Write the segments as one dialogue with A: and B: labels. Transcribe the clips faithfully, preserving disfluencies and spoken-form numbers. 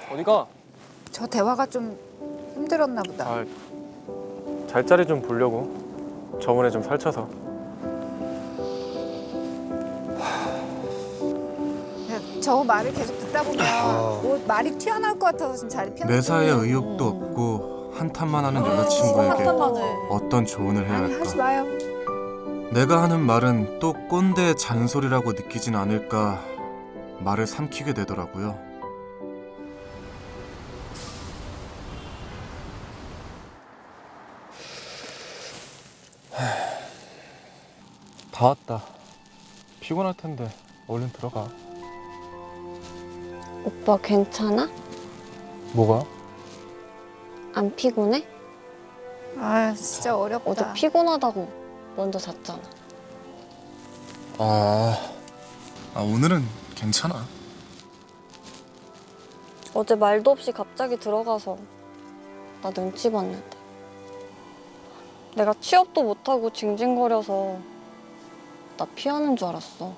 A: 어디가?
B: 저 대화가 좀 힘들었나 보다.
A: 아, 잘자리 좀 보려고. 저번에 좀 설쳐서.
B: 그냥 저 말을 계속 듣다 보면 뭐 말이 튀어나올 것 같아서 지금 자리 피하는
C: 매사에 의욕도 없고 한탄만 하는 여자친구에게 어떤 조언을 해야
B: 아니 하지
C: 할까?
B: 마요.
C: 내가 하는 말은 또 꼰대의 잔소리라고 느끼진 않을까 말을 삼키게 되더라고요.
A: 다 왔다. 피곤할 텐데 얼른 들어가.
D: 오빠 괜찮아?
A: 뭐가?
D: 안 피곤해?
B: 아 진짜 어렵다.
D: 어제 피곤하다고 먼저 잤잖아.
C: 아, 아 오늘은 괜찮아.
D: 어제 말도 없이 갑자기 들어가서 나 눈치 봤는데. 내가 취업도 못하고 징징거려서 나 피하는 줄 알았어.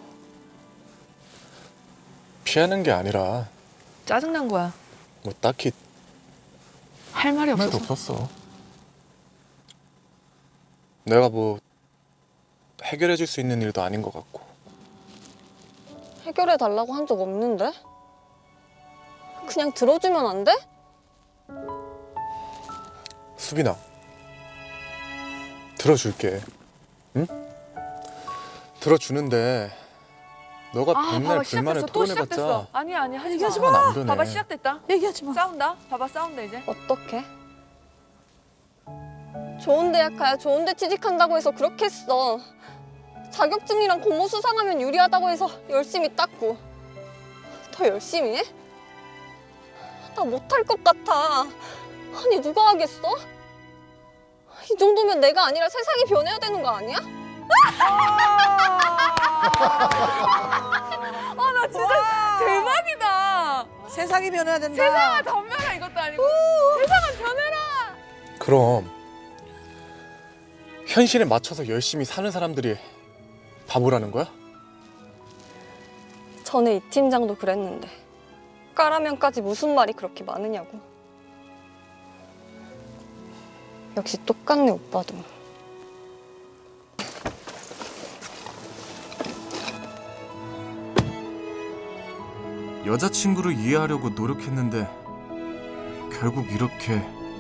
A: 피하는 게 아니라
E: 짜증난 거야.
A: 뭐 딱히
E: 할 말이
A: 말도
E: 없어서.
A: 없었어. 내가 뭐 해결해 줄 수 있는 일도 아닌 것 같고.
D: 해결해 달라고 한 적 없는데? 그냥 들어주면 안 돼?
A: 수빈아, 들어줄게. 응? 들어주는데 너가
E: 아,
A: 백날
E: 봐봐
A: 불만을
E: 시작됐어. 또
A: 토해내봤자
E: 시작됐어. 아니 아니 하지 마.
B: 얘기하지
A: 상황 안 변해.
E: 봐봐 시작됐다.
B: 얘기하지 마.
E: 싸운다. 봐봐 싸운다 이제.
D: 어떡해? 좋은 대학 가야 좋은 데 취직한다고 해서 그렇게 했어. 자격증이랑 공모 수상하면 유리하다고 해서 열심히 땄고. 더 열심히 해? 나 못할 것 같아. 아니 누가 하겠어? 이 정도면 내가 아니라 세상이 변해야 되는 거 아니야?
E: 아 나 진짜 대박이다.
B: 세상이 변해야 된다.
E: 세상아 덤벼라 이것도 아니고. 세상아 변해라.
A: 그럼 현실에 맞춰서 열심히 사는 사람들이 바보라는 거야?
D: 전에 이 팀장도 그랬는데 까라면까지 무슨 말이 그렇게 많으냐고. 역시 똑같네 오빠도.
C: 여자친구를 이해하려고 노력했는데 결국 이렇게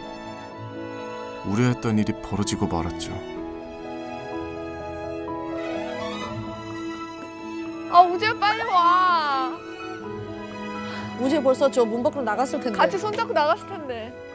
C: 우려했던 일이 벌어지고 말았죠.
E: 아 우재야 빨리 와.
F: 우재 벌써 저 문 밖으로 나갔을 텐데.
E: 같이 손잡고 나갔을 텐데.